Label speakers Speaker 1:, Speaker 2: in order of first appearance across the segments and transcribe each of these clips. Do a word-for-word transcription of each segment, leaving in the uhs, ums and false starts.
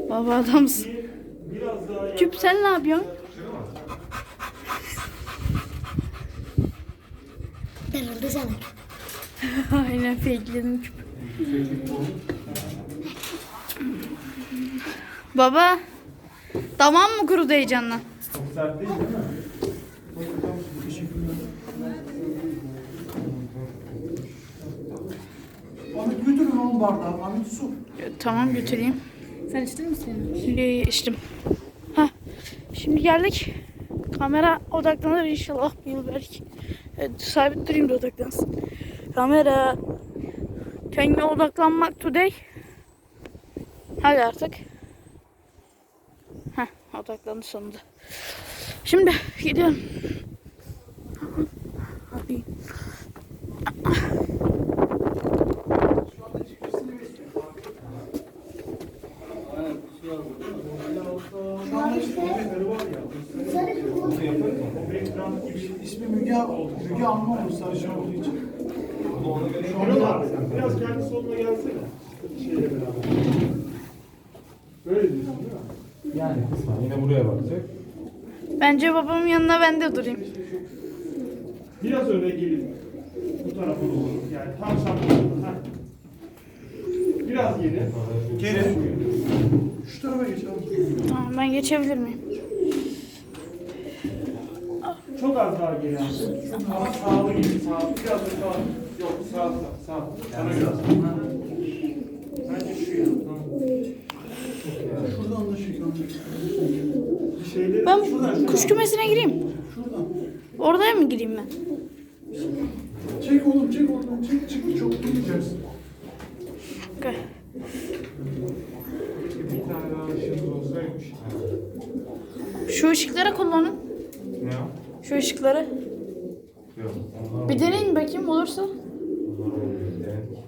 Speaker 1: Baba adamsın.
Speaker 2: Biraz daha
Speaker 1: Küp sen ne yapıyorsun?
Speaker 3: Darıldı sana.
Speaker 1: Aynen fakeledim küp. Baba. Tamam mı kurudu heyecanla?
Speaker 2: çok sert değil değil mi?
Speaker 4: Ahmet götürün oğlum bardağı. Ahmet su.
Speaker 1: Tamam götüreyim.
Speaker 3: Sen içtin misin?
Speaker 1: Şimdi içtim. Hah. Şimdi geldik. Kamera odaklanır inşallah bu yıl belki. Evet, sabit durayım da odaklansın. Kamera. Kendine odaklanmak today. Hadi artık. Heh, odaklandı sonunda. Şimdi gidiyorum. Hadi.
Speaker 4: Şu an işte ismi Müge, Müge Anlı olmuş sarışın olduğu için.
Speaker 2: Şurada biraz kendi soluna gelsene. Şeyle beraber. Böyle diyorsun değil mi?
Speaker 5: Yani kısmen yine buraya bakacak.
Speaker 1: Bence babamın yanına ben de durayım.
Speaker 2: Biraz öne gelin. Bu tarafa doğru. Yani tam şapkasında. Biraz geri.
Speaker 4: Geri. Şu tarafa geçelim.
Speaker 1: Tamam, ben geçebilir miyim?
Speaker 2: Çok az daha geri. Ama sağlı gibi sağ. Biraz da sağ. Yok sağ sağ. Sağ. Sana biraz. Bence şu ya.
Speaker 4: Şuradan da şey kalacak.
Speaker 2: Bir şeyleri
Speaker 1: Ben
Speaker 2: şuradan şuradan.
Speaker 1: kuş kümesine gireyim.
Speaker 4: Şuradan.
Speaker 1: Oraya mı gireyim ben?
Speaker 4: Çek oğlum çek oradan çek çık çok gireceğiz.
Speaker 1: Okay.
Speaker 2: Bir tane daha ışığımız olsaymış.
Speaker 1: Şu ışıkları kullanın.
Speaker 5: Ne o?
Speaker 1: Şu ışıkları.
Speaker 5: Yok. Onlar
Speaker 1: Bir deneyin bakayım olursa.
Speaker 5: Onlar olmuyor. Evet.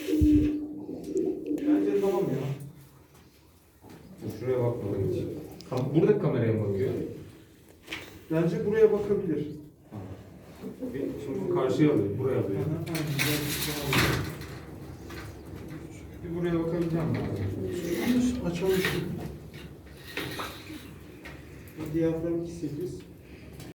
Speaker 2: Bence tamam ya.
Speaker 5: Dur, şuraya bakmadan hiç. Kam- Buradaki kameraya mı bakıyor?
Speaker 2: Bence buraya bakabilir.
Speaker 5: Bir, şimdi karşıya alıyor, buraya alıyor. Bir buraya bakabileceğim mi?
Speaker 4: Açalım.
Speaker 2: Diyafram iki sekiz.